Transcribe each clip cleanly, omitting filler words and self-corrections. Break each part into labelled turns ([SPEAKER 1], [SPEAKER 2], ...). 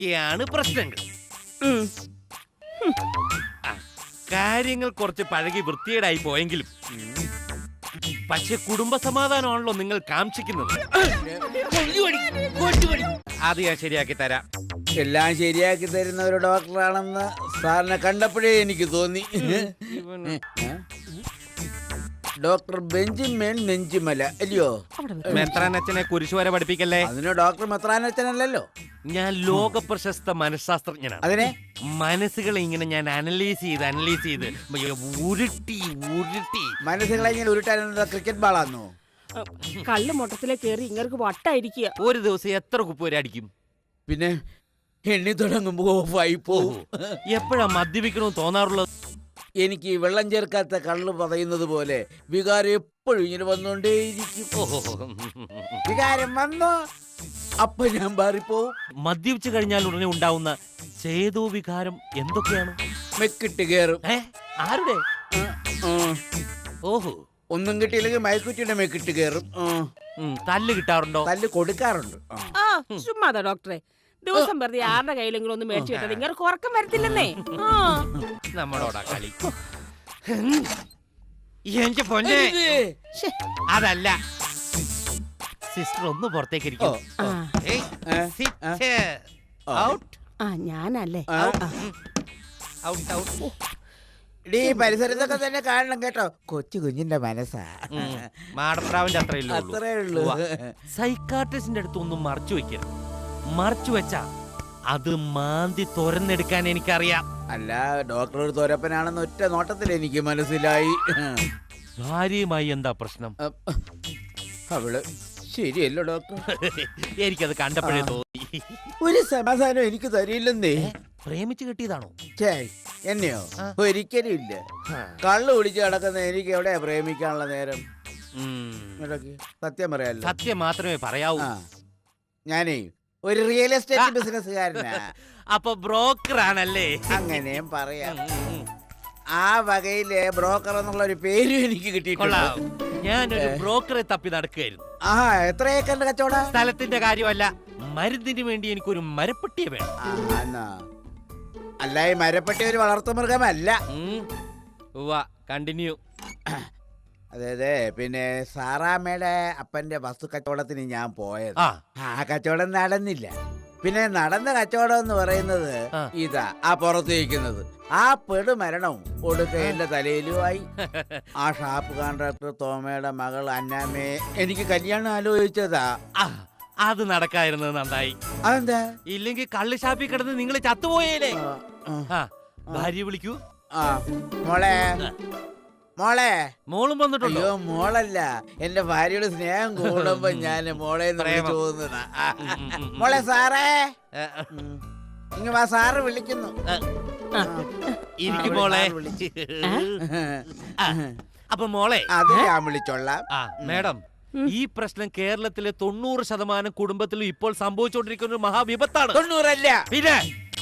[SPEAKER 1] ഇതൊക്കെയാണ് പ്രശ്നങ്ങൾ. കാര്യങ്ങൾ കുറച്ച് പഴകി വൃത്തികേടായി പോയെങ്കിലും പക്ഷെ കുടുംബ സമാധാനമാണല്ലോ നിങ്ങൾ കാക്ഷിക്കുന്നത്. അത് ഞാൻ ശരിയാക്കി തരാം.
[SPEAKER 2] എല്ലാം ശരിയാക്കി തരുന്ന ഒരു ഡോക്ടറാണെന്ന് സാറിനെ കണ്ടപ്പോഴേ എനിക്ക് തോന്നി. ഡോക്ടർ ബെഞ്ചമിൻ നെഞ്ചിമല അല്ലയോ?
[SPEAKER 1] മെത്രാനച്ഛനെ കുരിശ് വരെ പഠിപ്പിക്കല്ലേ.
[SPEAKER 2] അതിന് ഡോക്ടർ മെത്രാനച്ഛനല്ലോ.
[SPEAKER 1] ഞാൻ ലോക പ്രശസ്ത മനഃശാസ്ത്രജ്ഞനാണ്.
[SPEAKER 2] അതിനെ
[SPEAKER 1] മനസ്സുകളെ ഇങ്ങനെ ഞാൻ അനലൈസ് ചെയ്ത് ഉരുട്ടി
[SPEAKER 2] മനസ്സുകളെ ഇങ്ങനെ ഉരുട്ടാനുള്ള ക്രിക്കറ്റ് ബാളാന്നോ?
[SPEAKER 3] കള്ള് മൊട്ടത്തിലെ കേറി ഇങ്ങർക്ക് വട്ടായിരിക്കുക.
[SPEAKER 1] ഒരു ദിവസം എത്ര കുപ്പ് വരെ അടിക്കും?
[SPEAKER 2] പിന്നെ എണ്ണി തുടങ്ങുമ്പോ ഓഫായി പോവും.
[SPEAKER 1] എപ്പോഴാ മദ്യപിക്കണമെന്ന് തോന്നാറുള്ളത്?
[SPEAKER 2] എനിക്ക് വെള്ളം ചേർക്കാത്ത കള്ള് പറയുന്നത് പോലെ വികാരം എപ്പോഴും ഇങ്ങനെ വന്നോണ്ടേയിരിക്കും. വികാരം വന്നോ അപ്പൊ ഞാൻ മാറിപ്പോവും.
[SPEAKER 1] മദ്യപിച്ചു കഴിഞ്ഞാൽ ഉടനെ ഉണ്ടാവുന്ന ചേതോ വികാരം എന്തൊക്കെയാണ്?
[SPEAKER 2] മെക്കിട്ട് കയറും.
[SPEAKER 1] ആരുടെ? ഓഹോ,
[SPEAKER 2] ഒന്നും കിട്ടിയില്ലെങ്കിൽ മയക്കുറ്റിയുടെ മെക്കിട്ട് കയറും.
[SPEAKER 1] തല്ല് കിട്ടാറുണ്ടോ?
[SPEAKER 2] തല്ല് കൊടുക്കാറുണ്ട്.
[SPEAKER 3] ചുമ്മാതാ ഡോക്ടറെ, ദിവസം വെറുതെ ആരുടെ കയ്യിലെങ്കിലും ഒന്ന് മേടിച്ചു കിട്ടത് ഇങ്ങനെ ഉറക്കം വരത്തില്ലെന്നേ.
[SPEAKER 1] നമ്മളോടാ കളി. എന്റെ പൊന്നെ, അതല്ല സിസ്റ്റർ ഒന്ന് പുറത്തേക്ക് ഇരിക്കും.
[SPEAKER 3] ഞാനല്ലേ
[SPEAKER 2] പരിസരത്തൊക്കെ തന്നെ കാണണം കേട്ടോ. കൊച്ചു കുഞ്ഞിന്റെ മനസ്സാ.
[SPEAKER 1] മാടപ്രാവിന്റെ
[SPEAKER 2] അത്രേ ഉള്ളൂ.
[SPEAKER 1] സൈക്കാട്രിസ്റ്റിന്റെ അടുത്ത് ഒന്നും മറച്ചു വെക്കരുത്. മറച്ചു വെച്ചാ അത് മാന്തി തുറന്നെടുക്കാൻ എനിക്കറിയാം.
[SPEAKER 2] അല്ല, ഡോക്ടർ ഒരു തോരപ്പനാണെന്ന് ഒറ്റ നോട്ടത്തിൽ എനിക്ക് മനസ്സിലായി.
[SPEAKER 1] ഭാര്യയുമായി എന്താ പ്രശ്നം?
[SPEAKER 2] അവള് ശരിയല്ലോ ഡോക്ടർ.
[SPEAKER 1] എനിക്കത് കണ്ടപ്പോഴേ തോന്നി.
[SPEAKER 2] ഒരു സമാധാനം എനിക്ക് തരില്ലെന്നേ.
[SPEAKER 1] പ്രേമിച്ച് കിട്ടിയതാണോ?
[SPEAKER 2] എന്നെയോ? ഒരിക്കലും ഇല്ല. കള്ളു കുടിച്ച് കിടക്കുന്ന എനിക്ക് എവിടെയാ പ്രേമിക്കാനുള്ള നേരം? സത്യം പറയാലോ.
[SPEAKER 1] സത്യം മാത്രമേ പറയാവൂ.
[SPEAKER 2] ഞാനേ ഒരു റിയൽ എസ്റ്റേറ്റ് ബിസിനസ്സുകാരനാ.
[SPEAKER 1] അപ്പൊ ബ്രോക്കർ ആണല്ലേ?
[SPEAKER 2] അങ്ങനെയും പറയാം. ആ വകയിലെ ബ്രോക്കർ എന്നുള്ള ഒരു പേരും എനിക്ക് കിട്ടിയിട്ടുണ്ട്.
[SPEAKER 1] ഞാനൊരു ബ്രോക്കറെ തപ്പി നടക്കുകയായിരുന്നു.
[SPEAKER 2] എത്ര ഏക്കറിന്റെ കച്ചവടം?
[SPEAKER 1] സ്ഥലത്തിന്റെ കാര്യമല്ല, മരുന്നിന് വേണ്ടി എനിക്കൊരു മരപ്പെട്ടിയെ വേണം.
[SPEAKER 2] അല്ല, ഈ മരപ്പെട്ടി ഒരു വളർത്തുമൃഗമല്ല.
[SPEAKER 1] കണ്ടിന്യൂ.
[SPEAKER 2] അതെ, പിന്നെ സാറാമ്മയുടെ അപ്പന്റെ വസ്തു കച്ചവടത്തിന് ഞാൻ പോയത്. ആ കച്ചവടം നടന്നില്ല. പിന്നെ നടന്ന കച്ചവടം എന്ന് പറയുന്നത് ഇതാ, ആ പുറത്ത് വയ്ക്കുന്നത്. ആ പെടുമരണവും ഒടുക്ക എന്റെ തലയിലുമായി. ആ ഷാപ്പ് കോൺട്രാക്ടർ തോമയുടെ മകൾ അന്നാമ്മയെ എനിക്ക് കല്യാണം ആലോചിച്ചതാ.
[SPEAKER 1] അത് നടക്കായിരുന്നത് നന്നായി.
[SPEAKER 2] അതെന്താ?
[SPEAKER 1] ഇല്ലെങ്കിൽ കള്ള് ഷാപ്പിൽ കിടന്ന് നിങ്ങൾ ചത്തുപോയേലേ. ഭാര്യ വിളിക്കൂ.
[SPEAKER 2] മോളെ മോളെ.
[SPEAKER 1] മോളും വന്നിട്ടുണ്ടോ?
[SPEAKER 2] അയ്യോ, മോളല്ല, എന്റെ ഭാര്യയുടെ സ്നേഹം കൂടുമ്പോ ഞാൻ മോളെ തോന്നുന്നതാ. മോളെ സാറേ, ഇങ്ങ വാ, സാറ് വിളിക്കുന്നു.
[SPEAKER 1] ഇരിക്കും മോളെ. അപ്പൊ മോളെ
[SPEAKER 2] അത് ഞാൻ വിളിച്ചോളാം.
[SPEAKER 1] മേഡം, ഈ പ്രശ്നം കേരളത്തിലെ 90% കുടുംബത്തിലും ഇപ്പോൾ സംഭവിച്ചുകൊണ്ടിരിക്കുന്ന ഒരു മഹാവിപത്താണ്.
[SPEAKER 2] 90
[SPEAKER 1] പിന്നെ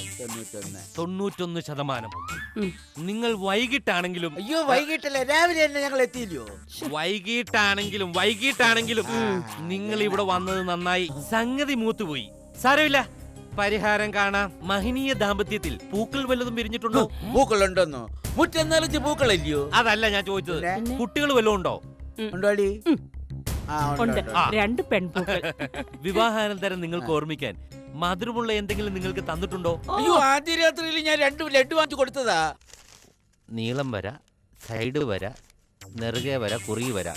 [SPEAKER 2] 91.
[SPEAKER 1] 91%. നിങ്ങൾ വൈകിട്ടാണെങ്കിലും.
[SPEAKER 2] അയ്യോ, വൈകിട്ടല്ലേ, രാവിലെ തന്നെ ഞങ്ങൾ എത്തിയില്ലയോ?
[SPEAKER 1] വൈകിട്ടാണെങ്കിലും നിങ്ങൾ ഇവിടെ വന്നത് നന്നായി. സംഗതി മൂത്തുപോയി. സാരമില്ല, പരിഹാരം കാണാം. മഹനീയ ദാമ്പത്യത്തിൽ പൂക്കൾ വല്ലതും വിരിഞ്ഞിട്ടുണ്ടോ?
[SPEAKER 2] പൂക്കളുണ്ടെന്നോ? മുറ്റം പൂക്കളല്ലയോ?
[SPEAKER 1] അതല്ല ഞാൻ ചോദിച്ചത്. കുട്ടികൾ വല്ലതും ഉണ്ടോ?
[SPEAKER 2] ഉണ്ടോടി?
[SPEAKER 3] ഉണ്ട്, 2 പെൺപൂക്കൾ.
[SPEAKER 1] വിവാഹാനന്തരം നിങ്ങൾക്ക് ഓർമ്മിക്കാൻ മധുരമുള്ള എന്തെങ്കിലും നിങ്ങൾക്ക് തന്നിട്ടുണ്ടോ?
[SPEAKER 2] അയ്യോ, ആദ്യ രാത്രിയിൽ ഞാൻ 2 ലഡ്ഡു വാങ്ങിച്ചു കൊടുത്തതാ.
[SPEAKER 1] നീളം വര, സൈഡ് വര, നെറുകെ വര, കുറി വര.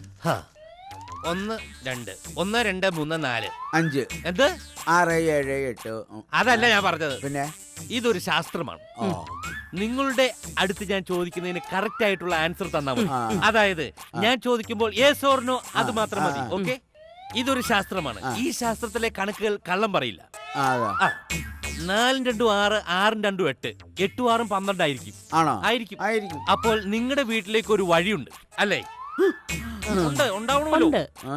[SPEAKER 1] 1 2 1 2 3 4
[SPEAKER 2] 5
[SPEAKER 1] എന്ത്
[SPEAKER 2] 6 7 8.
[SPEAKER 1] അതല്ല ഞാൻ പറഞ്ഞത്.
[SPEAKER 2] പിന്നെ
[SPEAKER 1] ഇതൊരു ശാസ്ത്രമാണ്. നിങ്ങളുടെ അടുത്ത് ഞാൻ ചോദിക്കുന്നതിന് കറക്റ്റ് ആയിട്ടുള്ള ആൻസർ തന്നാൽ മതി. അതായത് ഞാൻ ചോദിക്കുമ്പോൾ യെസ് ഓർ നോ, അത് മാത്രം മതി. ഓക്കെ? ഇതൊരു ശാസ്ത്രമാണ്. ഈ ശാസ്ത്രത്തിലെ കണക്കുകൾ കള്ളം പറയില്ല. 4 2 6 6 2 8 8 6 12 ആയിരിക്കും. ആയിരിക്കും. അപ്പോൾ നിങ്ങളുടെ വീട്ടിലേക്ക് ഒരു വഴിയുണ്ട് അല്ലേ? ഉണ്ടാവണമല്ലോ.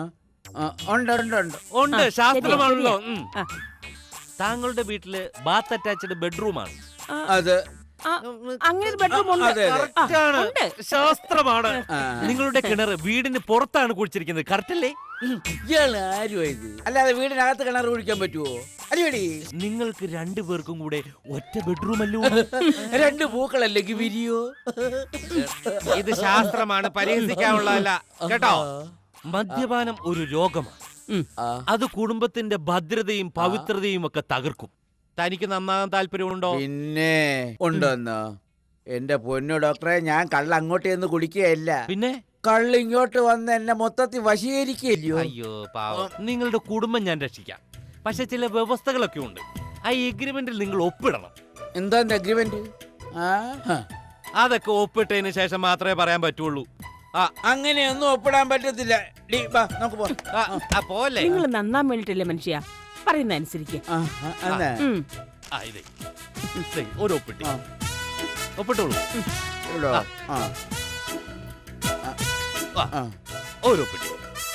[SPEAKER 1] ഉണ്ട്, ശാസ്ത്രമാണല്ലോ. താങ്കളുടെ വീട്ടില് ബാത്ത് അറ്റാച്ച്ഡ് ബെഡ്റൂമാണ്.
[SPEAKER 3] അങ്ങനെ ബെഡ്റൂം ഉണ്ട്.
[SPEAKER 1] ശാസ്ത്രമാണ്. നിങ്ങളുടെ കിണർ വീടിന് പുറത്താണ് കുഴിച്ചിരിക്കുന്നത്. കറക്റ്റ് അല്ലേ?
[SPEAKER 2] ഇയാള് ആരുമായത്? അല്ലാതെ വീടിനകത്ത് കിണർ കുഴിക്കാൻ പറ്റുമോ? അടിപൊളി.
[SPEAKER 1] നിങ്ങൾക്ക് രണ്ടുപേർക്കും കൂടെ ഒറ്റ ബെഡ്റൂം അല്ലോ.
[SPEAKER 2] രണ്ട് പൂക്കളല്ലെങ്കിൽ വിരിയോ?
[SPEAKER 1] ഇത് ശാസ്ത്രമാണ്, പരിഹസിക്കാനുള്ളതല്ല കേട്ടോ. മദ്യപാനം ഒരു രോഗമാണ്. അത് കുടുംബത്തിന്റെ ഭദ്രതയും പവിത്രതയും ഒക്കെ തകർക്കും. തനിക്ക് നന്നാകാൻ താല്പര്യമുണ്ടോ?
[SPEAKER 2] പിന്നെ ഉണ്ടോന്നോ? എന്റെ പൊന്നു ഡോക്ടറെ, ഞാൻ കള്ള അങ്ങോട്ട് ചെന്ന് കുടിക്കുകയല്ല.
[SPEAKER 1] പിന്നെ
[SPEAKER 2] കള്ള് ഇങ്ങോട്ട് വന്ന് എന്നെ മൊത്തത്തിൽ വശീകരിക്കുകയല്ലോ.
[SPEAKER 1] അയ്യോ പാവം, നിങ്ങളുടെ കുടുംബം ഞാൻ രക്ഷിക്കാം. പക്ഷെ ചില വ്യവസ്ഥകളൊക്കെ ഉണ്ട്. ആ എഗ്രിമെന്റിൽ നിങ്ങൾ ഒപ്പിടണം.
[SPEAKER 2] എന്താ അഗ്രിമെന്റ്?
[SPEAKER 1] അതൊക്കെ ഒപ്പിട്ടതിന് ശേഷം മാത്രമേ പറയാൻ പറ്റുള്ളൂ.
[SPEAKER 2] അങ്ങനെയൊന്നും ഒപ്പിടാൻ പറ്റത്തില്ല.
[SPEAKER 1] പോലെ
[SPEAKER 3] നിങ്ങൾ നന്നാൻ വേണ്ടിട്ടല്ലേ മനുഷ്യ, പറയുന്ന അനുസരിക്ക്.
[SPEAKER 1] ഒരു ഒപ്പിട്ടി ഒപ്പിട്ടോളൂ. ഒരു ഒപ്പിട്ടി.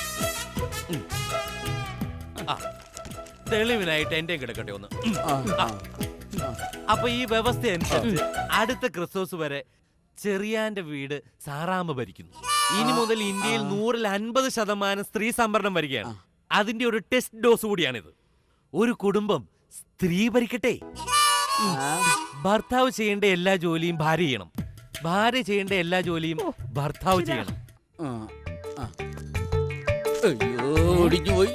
[SPEAKER 1] തെളിവിനായിട്ട് എന്റെ കിടക്കട്ടെ ഒന്ന്. അപ്പൊ ഈ വ്യവസ്ഥ അനുസരിച്ച് അടുത്ത ക്രിസ്മസ് വരെ ചെറിയാന്റെ വീട് സാറാമ്മ ഭരിക്കുന്നു. ഇനി മുതൽ ഇന്ത്യയിൽ 150% സ്ത്രീ സംവരണം വരികയാണ്. അതിന്റെ ഒരു ടെസ്റ്റ് ഡോസ് കൂടിയാണിത്. ഒരു കുടുംബം സ്ത്രീ ഭരിക്കട്ടെ. ഭർത്താവ് ചെയ്യേണ്ട എല്ലാ ജോലിയും ഭാര്യ ചെയ്യണം, ഭാര്യ ചെയ്യേണ്ട എല്ലാ ജോലിയും ഭർത്താവ് ചെയ്യണം.
[SPEAKER 2] അയ്യോ, ഒടിഞ്ഞുപോയി.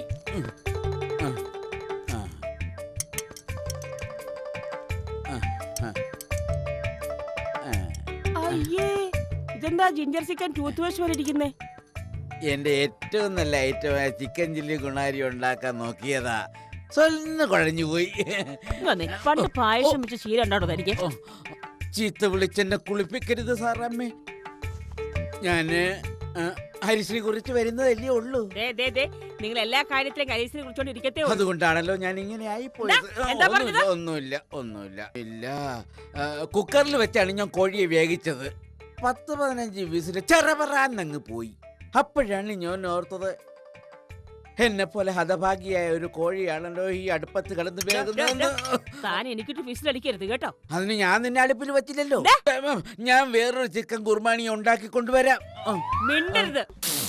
[SPEAKER 3] ഇതെന്താ ജിഞ്ചർ ചിക്കൻ ടൂത്ത് വാഷ് പോലെ ഇരിക്കുന്നേ?
[SPEAKER 2] എന്റെ ഏറ്റവും നല്ല ഐറ്റമായ ചിക്കൻ ചില്ലി ഗുണാരി ഉണ്ടാക്കാൻ നോക്കിയതാ, സ്വന്ന് കുഴഞ്ഞുപോയി.
[SPEAKER 3] പണ്ട് പായസം വെച്ച് ശീലം ഉണ്ടാടോ തനിക്ക്?
[SPEAKER 2] ചീത്ത വിളിച്ചെന്നെ കുളിപ്പിക്കരുത് സാറമ്മേ. ഞാന് ഹരിശ്രീ കുറിച്ച് വരുന്നതല്ലേ ഉള്ളൂ.
[SPEAKER 3] നിങ്ങൾ എല്ലാ കാര്യത്തിലും ഹരിശ്രീ കുറിച്ചോണ്ടിരിക്കത്തേ.
[SPEAKER 2] അതുകൊണ്ടാണല്ലോ ഞാൻ ഇങ്ങനെ ആയിപ്പോയത്. ഒന്നുമില്ല. ഇല്ല, കുക്കറിൽ വെച്ചാണ് ഞാൻ കോഴിയെ വേവിച്ചത്. 10-15 വിസിൽ ചെറപറാന്നങ്ങ് പോയി. അപ്പോഴാണ് ഞാൻ ഓർത്തത്, എന്നെ പോലെ ഹതഭാഗിയായ ഒരു കോഴിയാണല്ലോ ഈ അടുപ്പത്ത് കിടന്ന് വേകുന്നത്.
[SPEAKER 3] താൻ എനിക്കിട്ട് വിസിലടിക്കരുത് കേട്ടോ.
[SPEAKER 2] അതിന് ഞാൻ നിന്നെ അടുപ്പിൽ വെച്ചില്ലല്ലോ. ഞാൻ വേറൊരു ചിക്കൻ കുർബാനി ഉണ്ടാക്കി കൊണ്ടുവരാം.
[SPEAKER 3] മിണ്ടരുത്.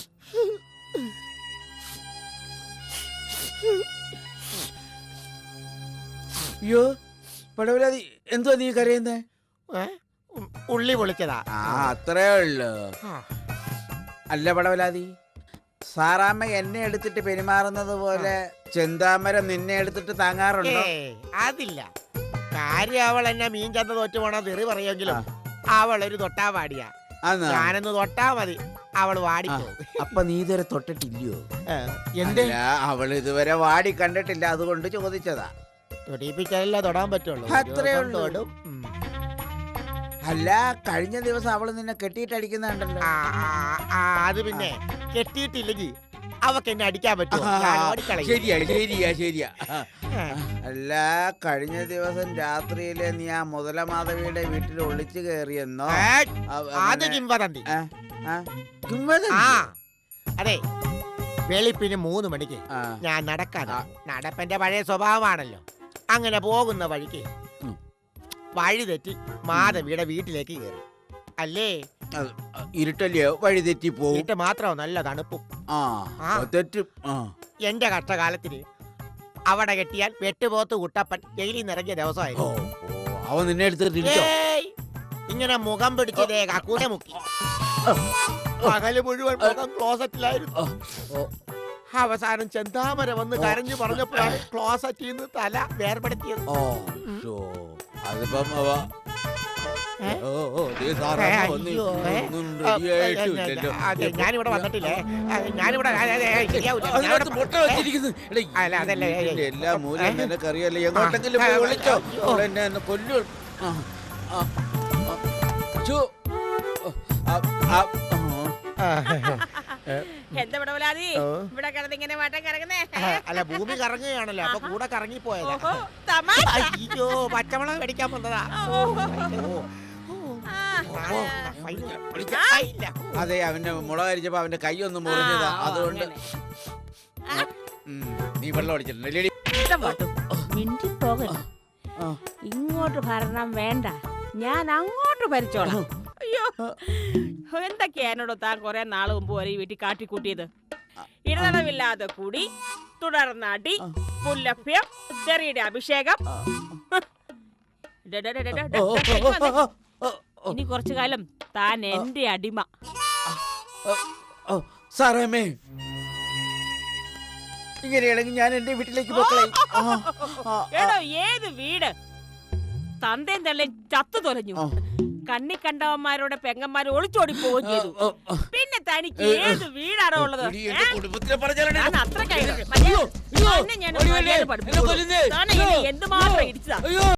[SPEAKER 2] അയ്യോ പടവലാതി, എന്തുവാ നീ കരയുന്നേ?
[SPEAKER 4] ഉള്ളി പൊളിച്ചതാ.
[SPEAKER 2] അത്രേ ഉള്ളു. അല്ല പടവലാതി, സാറാമ്മ എന്നെ എടുത്തിട്ട് പെരുമാറുന്നത് പോലെ ചെന്താമരം നിന്നെ എടുത്തിട്ട് താങ്ങാറുണ്ടോ?
[SPEAKER 4] അതില്ല. കാര്യം അവൾ എന്നെ മീൻ ചന്ത തോറ്റു പോണ തെറി പറയുമെങ്കിലും അവളൊരു തൊട്ടാ വാടിയാ. ഞാനൊന്ന് തൊട്ടാ മതി, അവള് വാടിപ്പോ.
[SPEAKER 2] അപ്പൊ നീ ഇതുവരെ തൊട്ടിട്ടില്ലയോ?
[SPEAKER 4] എന്ത്?
[SPEAKER 2] അവൾ ഇതുവരെ വാടി കണ്ടിട്ടില്ല, അതുകൊണ്ട് ചോദിച്ചതാ.
[SPEAKER 4] തൊടിപ്പിച്ചാലല്ല തൊടാൻ പറ്റുള്ളൂ.
[SPEAKER 2] അത്രേ ഉള്ളൂ. അല്ല, കഴിഞ്ഞ ദിവസം അവള് നിന്നെ കെട്ടിയിട്ടടിക്കുന്നുണ്ടല്ലോ.
[SPEAKER 4] അത് പിന്നെ കെട്ടിയിട്ടില്ലെങ്കിൽ അവക്ക് എന്നെ അടിക്കാൻ പറ്റുമോ?
[SPEAKER 2] ശരിയാ. അല്ല, കഴിഞ്ഞ ദിവസം രാത്രിയില് നീ ആ മുതലമാധവിയുടെ വീട്ടിൽ ഒളിച്ചു കയറിയെന്നോ?
[SPEAKER 4] അത് കിംവദന്തി. അതെ, വെളുപ്പിന് 3 മണിക്ക് ഞാൻ നടക്കാതെ, നടപ്പന്റെ പഴയ സ്വഭാവമാണല്ലോ, അങ്ങനെ പോകുന്ന വഴിക്ക് വഴി തെറ്റി മാധവിയുടെ വീട്ടിലേക്ക് കയറി. അല്ലേ?
[SPEAKER 2] ഇരുട്ടല്ലയോ, വഴി തെറ്റി പോകും.
[SPEAKER 4] ഇരുട്ട് മാത്രമോ, നല്ല തണുപ്പും. എന്റെ കഷ്ടകാലത്തിന് അവിടെ കെട്ടിയാൽ വെട്ടുപോത്ത് കുട്ടപ്പൻ ജയിലിൽ നിറങ്ങിയ ദിവസമായിരുന്നു.
[SPEAKER 2] അവൻ നിന്നെ എടുത്തിട്ടില്ല.
[SPEAKER 4] ഇങ്ങനെ മുഖം പിടിച്ചതേ കക്കൂനെ മുക്കി. പകല് മുഴുവൻ മുഖം ക്ലോസറ്റിലായിരുന്നു. അവസാനം ചെന്താമര വന്ന് കരഞ്ഞു പറഞ്ഞപ്പോഴാണ് ക്ലോസറ്റിൽ നിന്ന് തല വേർപെടുത്തിയത്. ഞാനിവിടെ വന്നിട്ടില്ലേ? ഞാനിവിടെ
[SPEAKER 2] എല്ലാ മൂലം നിനക്കറിയാലോ. എങ്ങോട്ടെങ്കിലും പോയി വിളിച്ചോ, എന്നെ കൊല്ലു.
[SPEAKER 3] എന്താ ഇവിടെ കിടന്നിങ്ങനെ വട്ടം കറങ്ങുന്നേ?
[SPEAKER 4] അല്ല, ഭൂമി കറങ്ങുകയാണല്ലോ, അപ്പൊ കൂടെ കറങ്ങിപ്പോയതാ. അയ്യോ, പച്ചമുളക് മേടിക്കാൻ വന്നതാ.
[SPEAKER 2] അതെ, അവന്റെ മുളക് അരിച്ചപ്പോ അവന്റെ കൈ ഒന്ന് മുറിഞ്ഞതാ, അതുകൊണ്ട്. നീ വെള്ളം അടിച്ചിട്ടുണ്ടല്ലേ?
[SPEAKER 3] ഇങ്ങോട്ട് ഭരണം വേണ്ട, ഞാൻ അങ്ങോട്ട് ഭരിച്ചോളാം. അയ്യോ, എന്തൊക്കെയാ എന്നോട് താൻ കുറെ നാള് മുമ്പ് വരെ ഈ വീട്ടിൽ കാട്ടിക്കൂട്ടിയത്? ഇടതടവില്ലാതെ കൂടി, തുടർന്നടി, പുല്ലഭ്യം തെറിയുടെ അഭിഷേകം. ഡേ, ഡേ, ഡേ, ഡേ, ഡേ, ഡേ, ഇനി കുറച്ചു കാലം താൻ എന്റെ അടിമ.
[SPEAKER 2] സാറാമേ, ഇങ്ങനെയാണെങ്കിൽ ഞാൻ എന്റെ വീട്ടിലേക്ക് പോക്കളെ.
[SPEAKER 3] എടോ, ഏത് വീട്? തന്തേം തള്ളേം ചത്തു തൊലഞ്ഞു. കണ്ണി കണ്ടവന്മാരോടെ പെങ്ങന്മാര് ഒളിച്ചോടി പോവുകയും ചെയ്തു. പിന്നെ തനിക്ക് ഏത് വീടാണോ ഉള്ളത്? അത്ര എന്തുമാത്രം ഇടിച്ചതാ.